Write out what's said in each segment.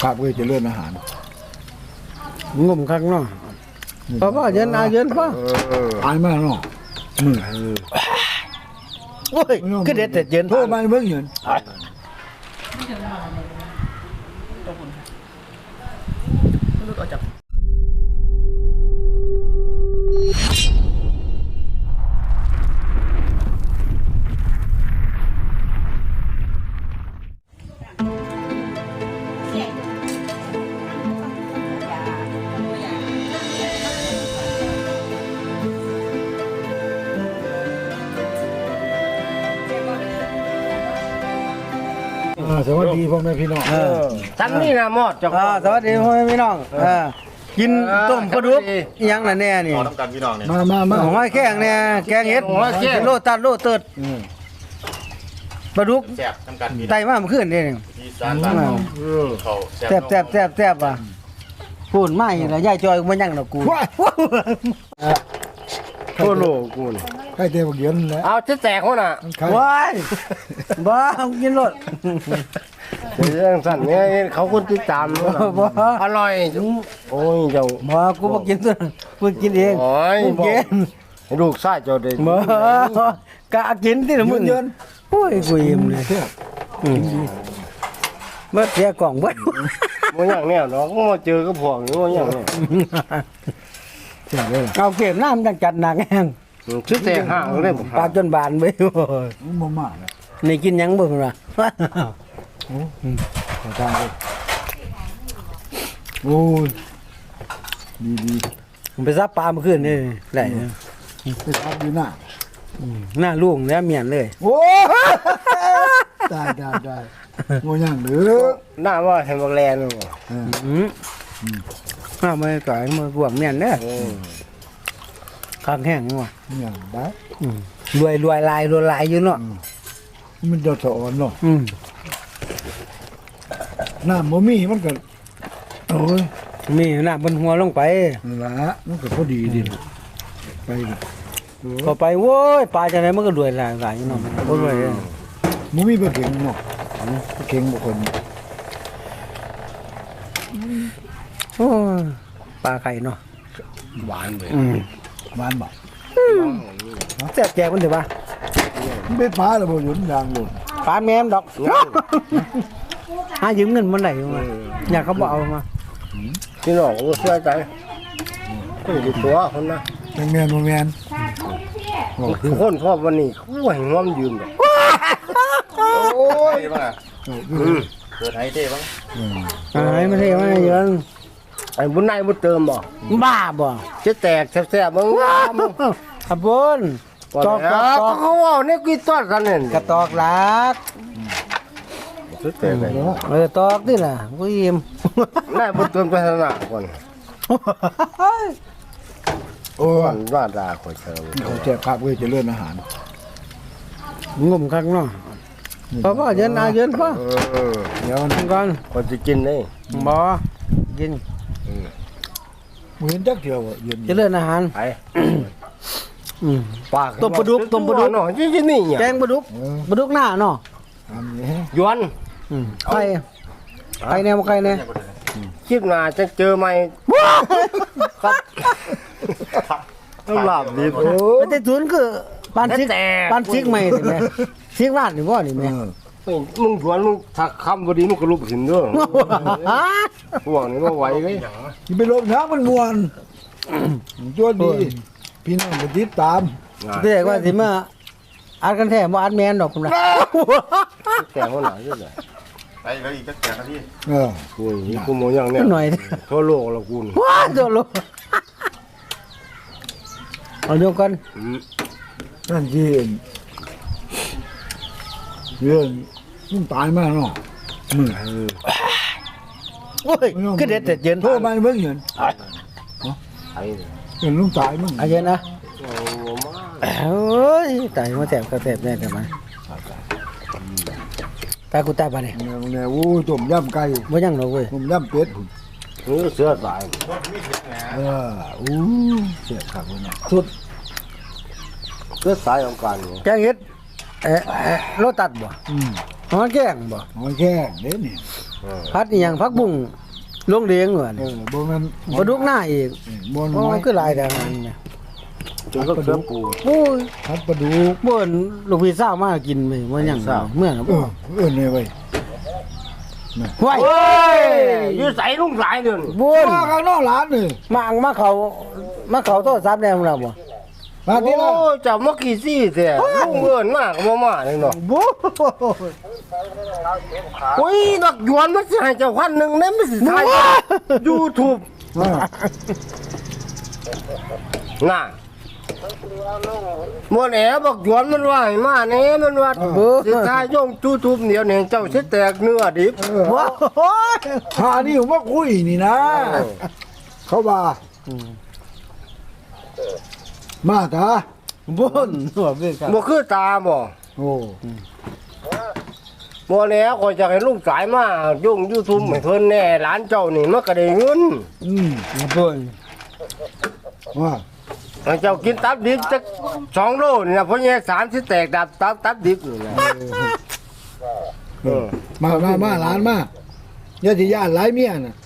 ภาพเพื่อจะเลื่อนอาหารงมข้างนอกพ่อเย็นอาเย็นพ่ออายมากเนาะโอ้ยคือเด็ดแต่เย็นโทษมาเบิ่งเงินสวัสดีพ่อแม่พี่น้องทั้งนี้นะหมดสวัสดีพ่อแม่พี่น้องกินต้มปลาดุกยังน่ะแน่นี่ต้องการพี่น้องเนี่ยมาหอยแข้งเนี่ยแกงเห็ดโลตัดโลเติดปลาดุกแซ่บต้องการพี่น้องไตมาเมื่อคืนนี่ที่สารบ้านเขาแซ่บว่ะพูดไม่ละยายจอยมันยังดอกกูโคโลกูใครเตะบักเย็นแล้วเอาจะแตกเขาน่ะว้ายบ้ากินรถเรื่องสั่นเนี่ยเขาคนติดตามอร่อยโอ้ยเจ้ามากูมากินตัวกูกินเองกูกินลูกชายเจ้าเด็กมากะกินที่ละมึงโอ้ยกูยิ้มเลยเมื่อเสียกล่องไว้มันอย่างเนี้ยน้องมาเจอก็พวงมันอย่างเนี้ยเอาเก็บน้ำจังจัดหนักแห้งชุดแต่ห่างเลยปลาจนบานไปบ่มากนี่กินยังบ่ล่ะขอทานโอ้ยดีไปซับปลาเมื่อคืนนี่ได้ไปซับดีหน้าลุงแล้วเมียนเลยโอ้ได้โง่ยังหรือหน้าว่าเห็นบักแลนบ่หน้าไม่ก่อยมาบวกเมียนเด้อข้างแห้งว่ะอย่างได้รวยลายอยู่เนาะมันจะสอนเนาะน้ำบ่มีมันก็โอ้ยมีน้ำบนหัวลงไปละมันก็พอดีดิไปก็ไปโว้ยปลาจะไหนมันก็รวยลายอยู่เนาะบ่รวยบ่มีบ่เก่งเนาะเก่งบ่คนโอ้ปลาไข่เนาะหวานเลยหวานบ่แซ่บแจกมันเถอะป่ะมันเป็นปลาแล้วบ่หยุดยางหลุดปลาแม่มดอกหายืมเงินมันไหนมาอยากเขาบอกเอามาพี่น้องก็ช่วยใจก็อยู่ตัวคนนะแม่นคือคนชอบวันนี้เขาให้งอมยืมดอกโอ้ยบ้าเกิดไห้เท่บ้างไอ้ไม่เท่ไม่เยอะไอ้บุญนายบุญเติมบ่บ้าบ่จะแตกแซ่บๆมึงขับบุญตอกเขาว่าเนี่ยกี่ต้นกันเนี่ยกระตอกหลักตอกนี่แหละกูยิ้มนายบุญเติมไปขนาดก่อนโอ้ว่าด่าคนเชิญเขาแจกภาพเพื่อจะเลื่อนอาหารงมข้างนอกพ่อเย็นอาเย็นพ่อเดี๋ยวนั่งก่อนคนจะกินนี่บ่กินเหมือนจักเดียวจะเลื่อนอาหารไปปากต้มปลาดุกเนาะที่นี่แกงปลาดุกหน้าเนาะยวนไข่แนวไข่แนวคลิปหน้าจะเจอไหมครับหลับดีไม่ได้ทุนคือปานซิกใหม่สิแม่ซิกลาดหรือว่านี่แม่มึงชวนมึงถักคำพอดีมึงก็ลุกหินด้วยพวกนี้มาไหวเลยที่ไปลบน้ำมันมวนจ้วนดีพี่น้องไปติดตามเรียกว่าสิมาอัดกันแท้บ่อัดแมนดอกคุณนะแก่คนไหนเยอะเลยไปแล้วอีกสักแก่นาทีกูนี่กูมองอย่างเนี้ยหน่อยทั่วโลกแล้วกูว้าทั่วโลกเอาเดียวกันนั่นที่เรื่องมันตายมากเนาะโอ้ยคือเด็ดแต่เย็นโทษมาเบิ่งเงินเงินลุงตายมั้งเย็นนะโอ้ยตายมาแสบก็แสบแน่แต่มาตากูตาบ้านเนี่ยโอ้ยต้มยำไก่ไม่ยังหรอกเว้ยต้มยำเป็ดเสือตายอู้เสียขาดเลยนะสุดเสือตายของการแกงเห็ดรถตัดบ่หอยแกงบ่หอยแกงเด็ดนี่พัดอีหยังพักบุ้งลงเลี้ยงเหมือนบ่แม่นปลาดุกหน้าอีกบ่นโอ้ไม้คือหลายแต่หันเนี่ยจนก็เสือปูโอ้ยพัดปลาดุกบ่นลูกพี่สาวมากินไปว่าหยังเมื่อน่ะบ่นี่เว้ยห้วยโอ้ยอยู่ใส่ลุงสายเดินบ่นมาข้างนอกร้านนี่มาเขาโทรศัพท์แนวเราบ่มาที่โอ้ละเจ้ามากี่ซี่แท้ลุงเอิ้นมากบ่มาเลยเนาะบ่โอ้ยดอกหยวนมันสิให้เจ้าพันหนึงแม่มันสิถ่าย YouTube น่ะบ่แหน่บอกหยวนมันว่าให้มาแหน่มันว่าสิถ่ายย่ง YouTube เดี๋ยวนี้เจ้าสิแตกเนื้อดิบบ่โอ้ยหานี่ผมว่าคุยนี่นะ เขาว่ามาตาบ่นหัวเบิดครับบ่คือตาบ่โอ้บ่แล้วก็จะให้ลุงสายมายุ่ง YouTube ให้เพิ่นแน่หลานเจ้านี่มันก็ได้เงินบ่นว่าให้เจ้ากินตับดิบจัก2โลนี่นะเพราะแย่3สิแตกดับตับดิบนี่นะเออมาร้านมาอย่าสิย่านหลายเมียน่ะ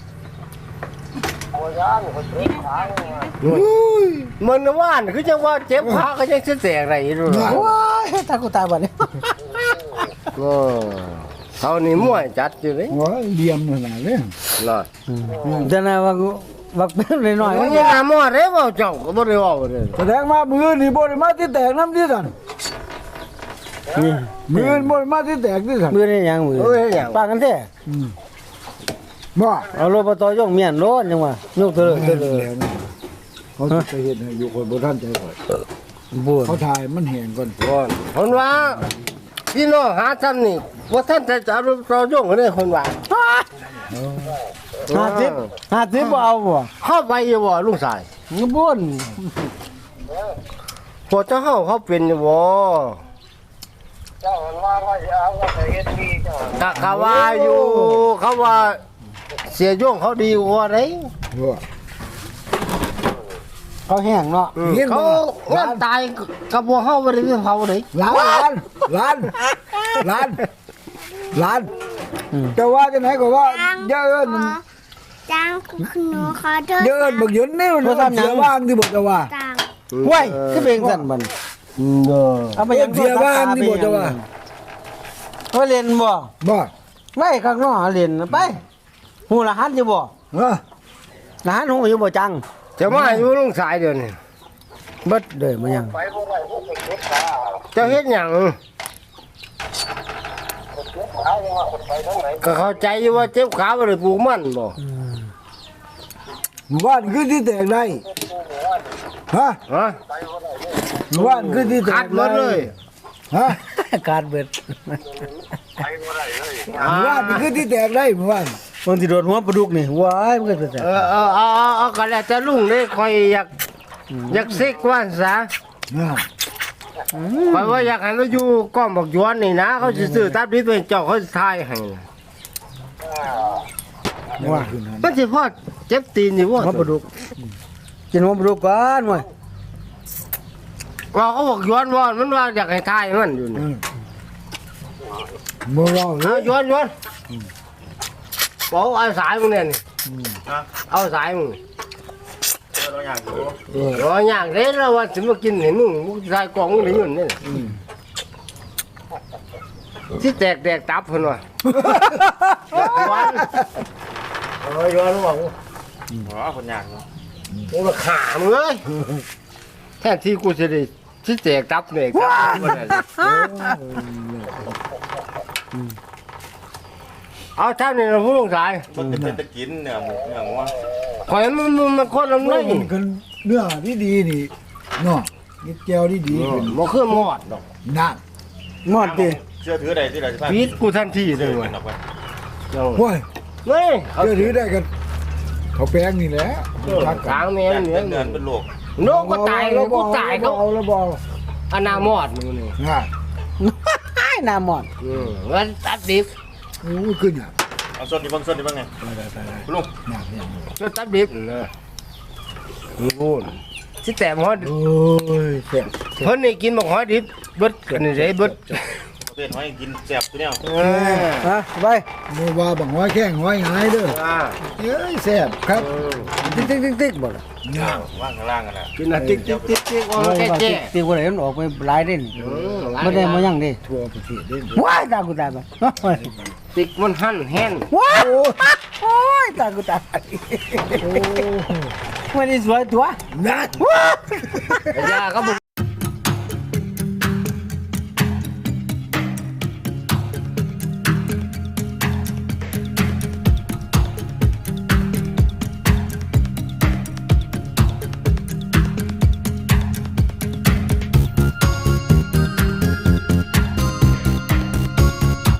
อุ้ยมันว่านคือจังว่าเจ็บขาก็ยังสิแตกได้อยู่โอ้โอ้ยตากูตาบัดนี้เออเท่านี้มวยจัดอยู่เลยโหเหลี่ยมขนาดเลยน่ะแต่น่ะว่าเป็นน้อยมันๆยังหาหมอดเด้บ่เจ้าก็บ่ได้เว้าเด้อแสดงมามือนี่บ่ได้มาที่แตกน้ำที่สั่นนี่มือบ่ได้มาที่แตกที่สั่นมือนี่หยังมือเอ้ยหยังปากกันแท้บ่เอารถปตอยกเมียนรถจังว่ายกเถอะเถอะแล้วนะเขาจะไปเฮ็ดให้อยู่คนบ่ทันใจก่อนบ่นเขาถ่ายมันแห้งก่อนก่อนคนว่าพี่น้องหาทำนี่ว่าท่านจะเอาเราโยงกันได้คนว่า 50บ่เอาบ่เข้าไปอยู่บ่ลุงสายบ่นพอเจ้าเขาเป็นอยู่บ่กะเขาว่าอยู่เขาว่าเสียโยงเขาดีกว่าไหนว่าเขาแห้งเนาะเขางานตายกับพวกเขาบ่ได้ไปเผาเลยร้านแต่ว่าจะไหนก็ว่าเยอะเอิ้นจังหนูขอโทษเยอะเอิ้นบักหยุนนี่มันเสียบ้างที่บอกจะว่าจังห้วยคือเป็นจังซั่นบัดเด้อเอาไปเอิ้นเสียบ้างที่บอกจะว่าว่าเล่นบ่บ่ไว้ข้างนอกเล่นไปฮู้รหัสอยู่บ่ฮะรหัสฮู้อยู่บ่จังจะมาอยู่ลุงสายเดี๋ยวนี้เบิดเด้อมันยังเจ้าเฮ็ดหยังก็เข้าใจอยู่ว่าเจ็บขาบ่ได้ปลูกมันบ่หมู่บ้านคือที่แตกได้ฮะฮะหมู่บ้านคือที่แตขาดกหมดเลยฮะการเบิดหมู่บ้านนี่คือที่แตกได้หมู่บ้านบางทีโดนหัวปลาดุกนี่ว้ายมันก็จะเอาก็แล้วแต่ลุงเด้คอยอยากซิกว่าซะนะคอยว่าอยากให้เราอยู่ก้อมบักหยวนนี่นะเขาสิซื้อตับดิบเป็นเจ้าเขาสิทายให้ว่าขึ้นนั้นมันสิพอเจ็บตีนอยู่บ่หัวปลาดุกกินหัวปลาดุกก่อนเว้ยว่าเขาบอกหยวนว่ามันว่าอยากให้ทายมันอยู่นี่บ่เราเลเอายหยวนบอกเอาสายมึงเนี่ยนี่เอาสายมึงเออรออย่างเด้แล้วว่าสิมากินให้มึงสายกล่องมึงได้เงินนี่สิแตกตับเพิ่นว่าหยวนบอกอ๋อคนยากเนาะมึงมาขามึงเอ้ยแทนที่กูจะได้ที่แจกตับเนี่ยครับเอาท่านนี่เราพูดลงสายมันเป็นตะกินเนี่ยหมูอย่างว่าขอยมันคนลำไรมันกันเนื้อที่ดีนี่เนาะนี่แก้วที่ดีขึ้นบ่คือหมอดดอกนั่นหมดดิเชื่อถือใดที่เราจะปีดกูทันทีเลเชื่อยเว้ยออกไปห้วยเฮ้ยเดี๋ยวถือได้กันเขาแป้งนี่แหละทางแม่เหนือเดือนเป็นโรคโนก็ตายแล้วกูตายเขาเอาแล้วบ่อนาหมอดมึงนี่ง่ายหน้าหมอดวันตัดดิบโอ้ยขึ้นอ่ะเอาส้นนี่บ้างไงคุณลุงหนักเนี่ยก็ตัดดิบนะนู่นสิแต่หมอดโอ้ยแซ่บเพิ่นนี่กินบักหอยดิบเบิดกันนี่ได้เบิดเพื่อนให้กินแซ่บตัวเนี้ยฮะไปบ่ว่าบังห้อยแข้งห้อยหายเด้อเอ้ยแซ่บครับติ๊กบ่ล่ะว่างข้างล่างกันนะกินน่ะติ๊กติ๊กติ๊กติ๊กโอ้ยแก่ติ๊กบ่ได้มันออกไปหลายเด่นบ่ได้มายังดิทั่วประเทศเด้อว้ายตากูตายไปติ๊กมันหั่นแห้งว้ายโอ้ยตากูตายไม่ได้สวยตัวนั่นยาก็บ่